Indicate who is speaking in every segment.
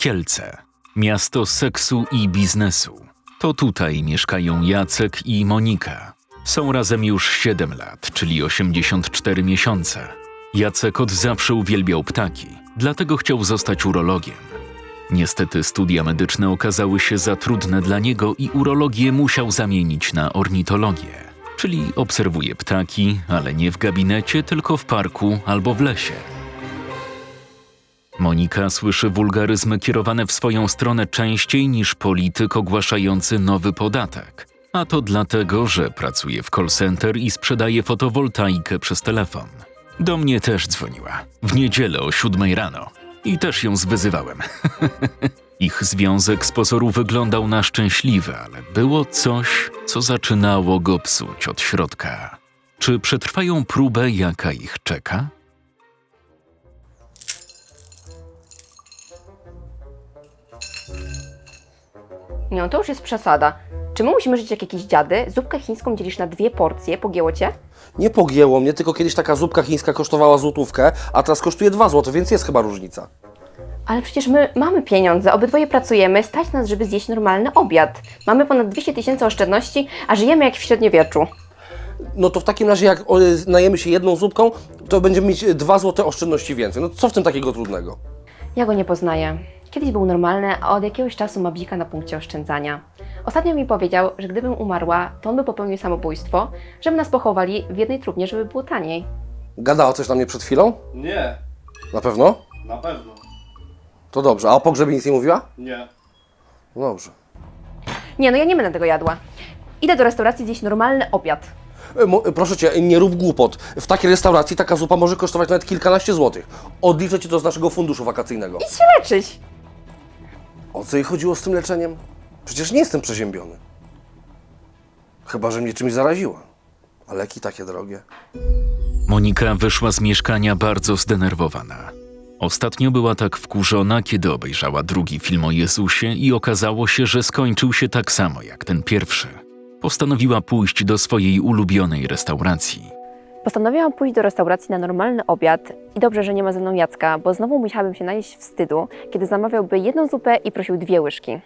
Speaker 1: Kielce. Miasto seksu i biznesu. To tutaj mieszkają Jacek i Monika. Są razem już 7 lat, czyli 84 miesiące. Jacek od zawsze uwielbiał ptaki, dlatego chciał zostać urologiem. Niestety studia medyczne okazały się za trudne dla niego i urologię musiał zamienić na ornitologię. Czyli obserwuje ptaki, ale nie w gabinecie, tylko w parku albo w lesie. Monika słyszy wulgaryzmy kierowane w swoją stronę częściej niż polityk ogłaszający nowy podatek. A to dlatego, że pracuje w call center i sprzedaje fotowoltaikę przez telefon. Do mnie też dzwoniła. W niedzielę o 7 rano. I też ją zwyzywałem. Ich związek z pozoru wyglądał na szczęśliwy, ale było coś, co zaczynało go psuć od środka. Czy przetrwają próbę, jaka ich czeka?
Speaker 2: No to już jest przesada. Czy my musimy żyć jak jakieś dziady? Zupkę chińską dzielisz na 2 porcje, pogięło cię?
Speaker 3: Nie pogięło mnie, tylko kiedyś taka zupka chińska kosztowała złotówkę, a teraz kosztuje 2 zł, więc jest chyba różnica.
Speaker 2: Ale przecież my mamy pieniądze, obydwoje pracujemy, stać nas, żeby zjeść normalny obiad. Mamy ponad 200 000 oszczędności, a żyjemy jak w średniowieczu.
Speaker 3: No to w takim razie jak najemy się jedną zupką, to będziemy mieć 2 zł oszczędności więcej. No co w tym takiego trudnego?
Speaker 2: Ja go nie poznaję. Kiedyś był normalny, a od jakiegoś czasu ma bzika na punkcie oszczędzania. Ostatnio mi powiedział, że gdybym umarła, to on by popełnił samobójstwo, żeby nas pochowali w jednej trumnie, żeby było taniej.
Speaker 3: Gadała coś na mnie przed chwilą?
Speaker 4: Nie,
Speaker 3: Na pewno?
Speaker 4: na pewno.
Speaker 3: To dobrze. A o pogrzebie nic nie mówiła?
Speaker 4: Nie.
Speaker 3: No dobrze.
Speaker 2: Nie, no ja nie będę tego jadła. Idę do restauracji zjeść normalny obiad.
Speaker 3: Proszę Cię, nie rób głupot. W takiej restauracji taka zupa może kosztować nawet kilkanaście złotych. Odliczę Ci to z naszego funduszu wakacyjnego.
Speaker 2: Idź się leczyć!
Speaker 3: O co jej chodziło z tym leczeniem? Przecież nie jestem przeziębiony. Chyba, że mnie czymś zaraziła. A leki takie drogie.
Speaker 1: Monika wyszła z mieszkania bardzo zdenerwowana. Ostatnio była tak wkurzona, kiedy obejrzała drugi film o Jezusie i okazało się, że skończył się tak samo jak ten pierwszy. Postanowiła pójść do swojej ulubionej restauracji.
Speaker 2: Postanowiłam pójść do restauracji na normalny obiad i dobrze, że nie ma ze mną Jacka, bo znowu musiałabym się najeść wstydu, kiedy zamawiałby jedną zupę i prosił 2 łyżki.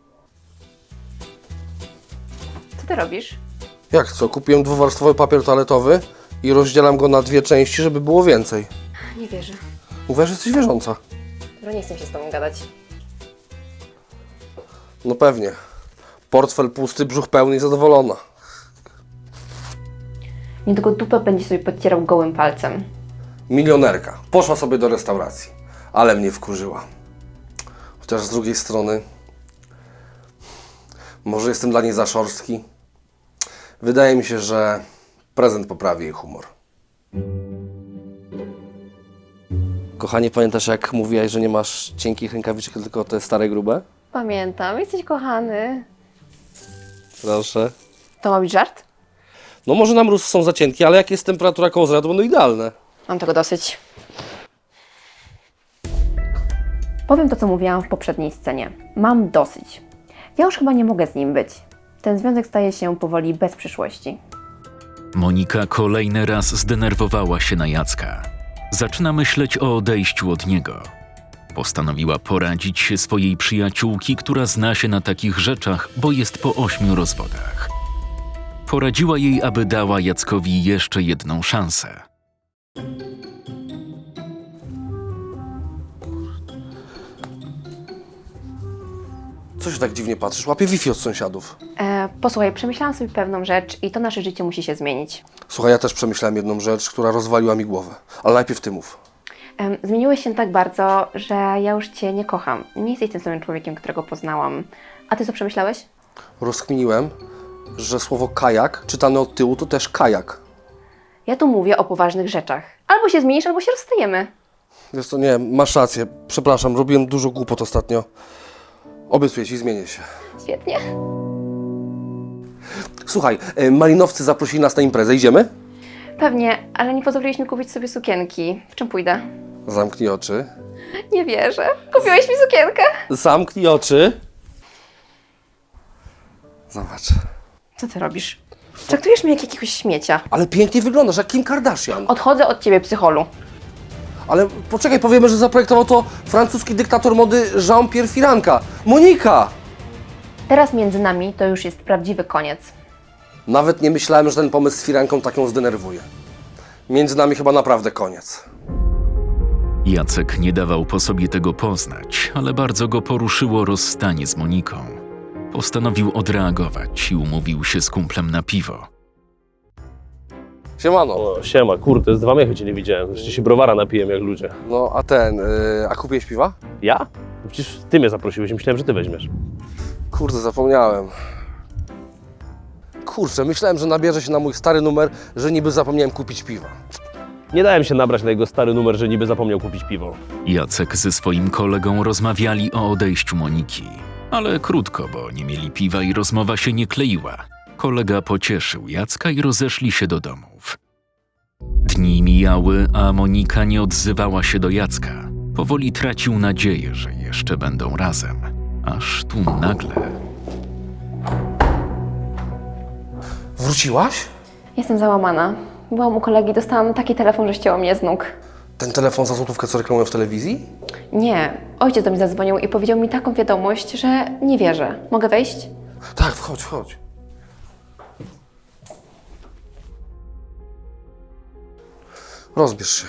Speaker 2: Co ty robisz?
Speaker 3: Jak co? Kupiłem dwuwarstwowy papier toaletowy i rozdzielam go na 2 części, żeby było więcej.
Speaker 2: Nie wierzę.
Speaker 3: Mówię, że jesteś wierząca.
Speaker 2: Dobra, nie chcę się z tobą gadać.
Speaker 3: No pewnie. Portfel pusty, brzuch pełny i zadowolona.
Speaker 2: Niedługo dupę będzie sobie podcierał gołym palcem.
Speaker 3: Milionerka. Poszła sobie do restauracji. Ale mnie wkurzyła. Chociaż z drugiej strony... Może jestem dla niej za szorstki? Wydaje mi się, że prezent poprawi jej humor. Kochanie, pamiętasz jak mówiłaś, że nie masz cienkich rękawiczek, tylko te stare grube?
Speaker 2: Pamiętam, jesteś kochany.
Speaker 3: Proszę.
Speaker 2: To ma być żart?
Speaker 3: No może na mróz są za cienkie, ale jak jest temperatura koło zera, to będą idealne.
Speaker 2: Mam tego dosyć. Powiem to, co mówiłam w poprzedniej scenie. Mam dosyć. Ja już chyba nie mogę z nim być. Ten związek staje się powoli bez przyszłości.
Speaker 1: Monika kolejny raz zdenerwowała się na Jacka. Zaczyna myśleć o odejściu od niego. Postanowiła poradzić się swojej przyjaciółki, która zna się na takich rzeczach, bo jest po 8 rozwodach. Poradziła jej, aby dała Jackowi jeszcze jedną szansę.
Speaker 3: Co się tak dziwnie patrzysz? Łapię Wi-Fi od sąsiadów.
Speaker 2: Posłuchaj, przemyślałam sobie pewną rzecz i to nasze życie musi się zmienić.
Speaker 3: Słuchaj, ja też przemyślałem jedną rzecz, która rozwaliła mi głowę. Ale najpierw ty mów.
Speaker 2: Zmieniłeś się tak bardzo, że ja już Cię nie kocham. Nie jesteś tym samym człowiekiem, którego poznałam. A Ty co przemyślałeś?
Speaker 3: Rozkminiłem, że słowo kajak, czytane od tyłu, to też kajak.
Speaker 2: Ja tu mówię o poważnych rzeczach. Albo się zmienisz, albo się rozstajemy.
Speaker 3: Wiesz co, nie, masz rację. Przepraszam, robiłem dużo głupot ostatnio. Obiecuję ci, zmienię się.
Speaker 2: Świetnie.
Speaker 3: Słuchaj, malinowcy zaprosili nas na imprezę. Idziemy?
Speaker 2: Pewnie, ale nie pozwoliłeś mi kupić sobie sukienki. W czym pójdę?
Speaker 3: Zamknij oczy.
Speaker 2: Nie wierzę. Kupiłeś mi sukienkę?
Speaker 3: Zamknij oczy. Zobacz.
Speaker 2: Co Ty robisz? Traktujesz mnie jak jakiegoś śmiecia.
Speaker 3: Ale pięknie wyglądasz, jak Kim Kardashian.
Speaker 2: Odchodzę od Ciebie, psycholu.
Speaker 3: Ale poczekaj, powiemy, że zaprojektował to francuski dyktator mody Jean-Pierre Firanka. Monika!
Speaker 2: Teraz między nami to już jest prawdziwy koniec.
Speaker 3: Nawet nie myślałem, że ten pomysł z Firanką tak ją zdenerwuje. Między nami chyba naprawdę koniec.
Speaker 1: Jacek nie dawał po sobie tego poznać, ale bardzo go poruszyło rozstanie z Moniką. Postanowił odreagować i umówił się z kumplem na piwo.
Speaker 3: Siemano.
Speaker 4: O, siema, kurde, z 2 miechy cię nie widziałem. Jeszcze się browara napiłem jak ludzie.
Speaker 3: No, a kupiłeś piwa?
Speaker 4: Ja? Przecież ty mnie zaprosiłeś, myślałem, że ty weźmiesz.
Speaker 3: Kurde, zapomniałem. Kurczę, myślałem, że nabierze się na mój stary numer, że niby zapomniałem kupić piwa.
Speaker 4: Nie dałem się nabrać na jego stary numer, że niby zapomniał kupić piwo.
Speaker 1: Jacek ze swoim kolegą rozmawiali o odejściu Moniki. Ale krótko, bo nie mieli piwa i rozmowa się nie kleiła. Kolega pocieszył Jacka i rozeszli się do domów. Dni mijały, a Monika nie odzywała się do Jacka. Powoli tracił nadzieję, że jeszcze będą razem. Aż tu nagle...
Speaker 3: Wróciłaś?
Speaker 2: Jestem załamana. Byłam u kolegi, dostałam taki telefon, że ścięło mnie z nóg.
Speaker 3: Ten telefon za złotówkę, co reklamują w telewizji?
Speaker 2: Nie, ojciec do mnie zadzwonił i powiedział mi taką wiadomość, że nie wierzę. Mogę wejść?
Speaker 3: Tak, wchodź. Rozbierz się.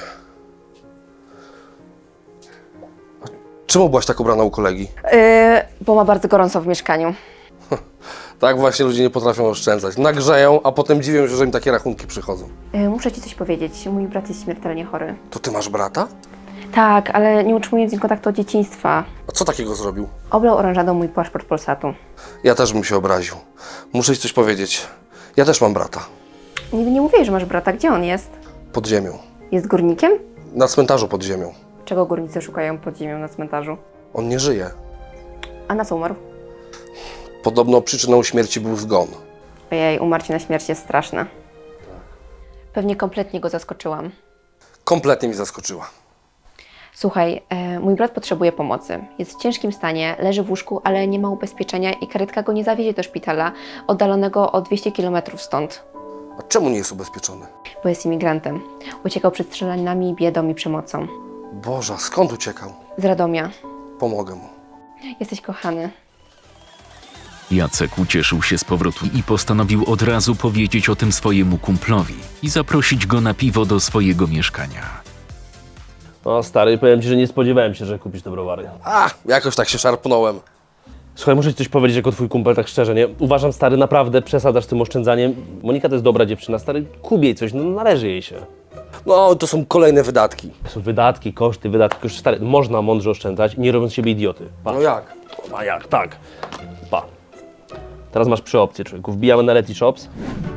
Speaker 3: A czemu byłaś tak ubrana u kolegi?
Speaker 2: Bo ma bardzo gorąco w mieszkaniu.
Speaker 3: Tak właśnie ludzie nie potrafią oszczędzać. Nagrzeją, a potem dziwią się, że im takie rachunki przychodzą.
Speaker 2: Muszę ci coś powiedzieć. Mój brat jest śmiertelnie chory.
Speaker 3: To ty masz brata?
Speaker 2: Tak, ale nie utrzymuję z nim kontaktu od dzieciństwa.
Speaker 3: A co takiego zrobił?
Speaker 2: Oblał oranżadą mój paszport Polsatu.
Speaker 3: Ja też bym się obraził. Muszę ci coś powiedzieć. Ja też mam brata.
Speaker 2: Nigdy nie mówiłeś, że masz brata. Gdzie on jest?
Speaker 3: Pod ziemią.
Speaker 2: Jest górnikiem?
Speaker 3: Na cmentarzu pod ziemią.
Speaker 2: Czego górnicy szukają pod ziemią na cmentarzu?
Speaker 3: On nie żyje.
Speaker 2: A na co umarł?
Speaker 3: Podobno przyczyną śmierci był zgon.
Speaker 2: Ojej, umarcie na śmierć jest straszne. Pewnie kompletnie go zaskoczyłam.
Speaker 3: Kompletnie mi zaskoczyła.
Speaker 2: Słuchaj, mój brat potrzebuje pomocy. Jest w ciężkim stanie, leży w łóżku, ale nie ma ubezpieczenia i karetka go nie zawiezie do szpitala oddalonego o 200 km stąd.
Speaker 3: A czemu nie jest ubezpieczony?
Speaker 2: Bo jest imigrantem. Uciekał przed strzelaninami, biedą i przemocą.
Speaker 3: Boże, skąd uciekał?
Speaker 2: Z Radomia.
Speaker 3: Pomogę mu.
Speaker 2: Jesteś kochany.
Speaker 1: Jacek ucieszył się z powrotu i postanowił od razu powiedzieć o tym swojemu kumplowi i zaprosić go na piwo do swojego mieszkania.
Speaker 4: No stary, powiem ci, że nie spodziewałem się, że kupisz te browary.
Speaker 3: Jakoś tak się szarpnąłem.
Speaker 4: Słuchaj, muszę ci coś powiedzieć jako twój kumpel, tak szczerze, nie? Uważam, stary, naprawdę przesadzasz z tym oszczędzaniem. Monika to jest dobra dziewczyna, stary, kup jej coś, no należy jej się.
Speaker 3: No, to są kolejne wydatki.
Speaker 4: To są wydatki, koszty, stary, można mądrze oszczędzać, nie robiąc z siebie idioty. Pa.
Speaker 3: No jak?
Speaker 4: A jak? Tak. Pa. Teraz masz 3 opcje, człowieku. Wbijamy na Letyshops.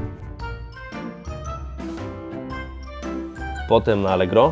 Speaker 4: Potem na Allegro.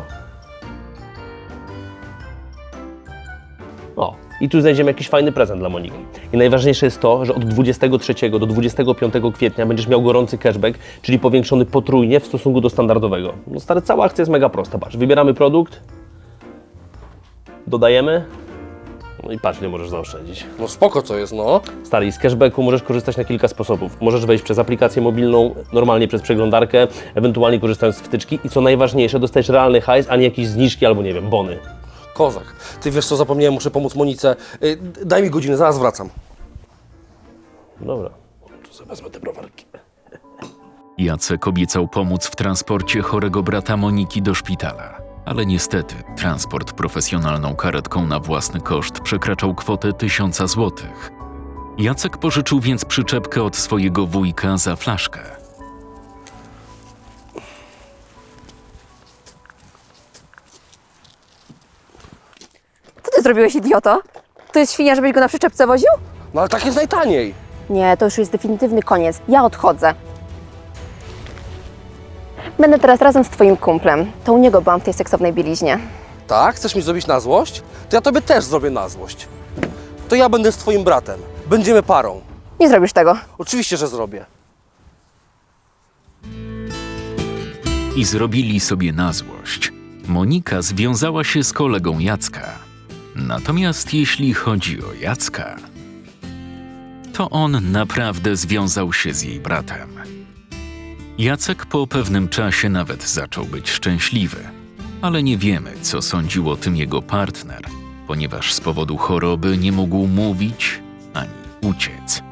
Speaker 4: O, i tu znajdziemy jakiś fajny prezent dla Moniki. I najważniejsze jest to, że od 23 do 25 kwietnia będziesz miał gorący cashback, czyli powiększony potrójnie w stosunku do standardowego. No stary, cała akcja jest mega prosta. Patrz, wybieramy produkt, dodajemy, no i patrz, nie możesz zaoszczędzić.
Speaker 3: No spoko to jest, no.
Speaker 4: Stary, z cashbacku możesz korzystać na kilka sposobów. Możesz wejść przez aplikację mobilną, normalnie przez przeglądarkę, ewentualnie korzystając z wtyczki i co najważniejsze, dostajesz realny hajs, a nie jakieś zniżki albo, nie wiem, bony.
Speaker 3: Kozak. Ty wiesz co, zapomniałem, muszę pomóc Monice. Daj mi godzinę, zaraz wracam.
Speaker 4: Dobra, to sobie wezmę te browarki.
Speaker 1: Jacek obiecał pomóc w transporcie chorego brata Moniki do szpitala. Ale niestety transport profesjonalną karetką na własny koszt przekraczał kwotę 1000 złotych. Jacek pożyczył więc przyczepkę od swojego wujka za flaszkę.
Speaker 2: Co ty zrobiłeś, idioto? To jest świnia, żebyś go na przyczepce woził?
Speaker 3: No ale tak jest najtaniej.
Speaker 2: Nie, to już jest definitywny koniec. Ja odchodzę. Będę teraz razem z twoim kumplem. To u niego byłam w tej seksownej bieliźnie.
Speaker 3: Tak? Chcesz mi zrobić na złość? To ja tobie też zrobię na złość. To ja będę z twoim bratem. Będziemy parą.
Speaker 2: Nie zrobisz tego.
Speaker 3: Oczywiście, że zrobię.
Speaker 1: I zrobili sobie na złość. Monika związała się z kolegą Jacka. Natomiast jeśli chodzi o Jacka, to on naprawdę związał się z jej bratem. Jacek po pewnym czasie nawet zaczął być szczęśliwy. Ale nie wiemy, co sądził o tym jego partner, ponieważ z powodu choroby nie mógł mówić ani uciec.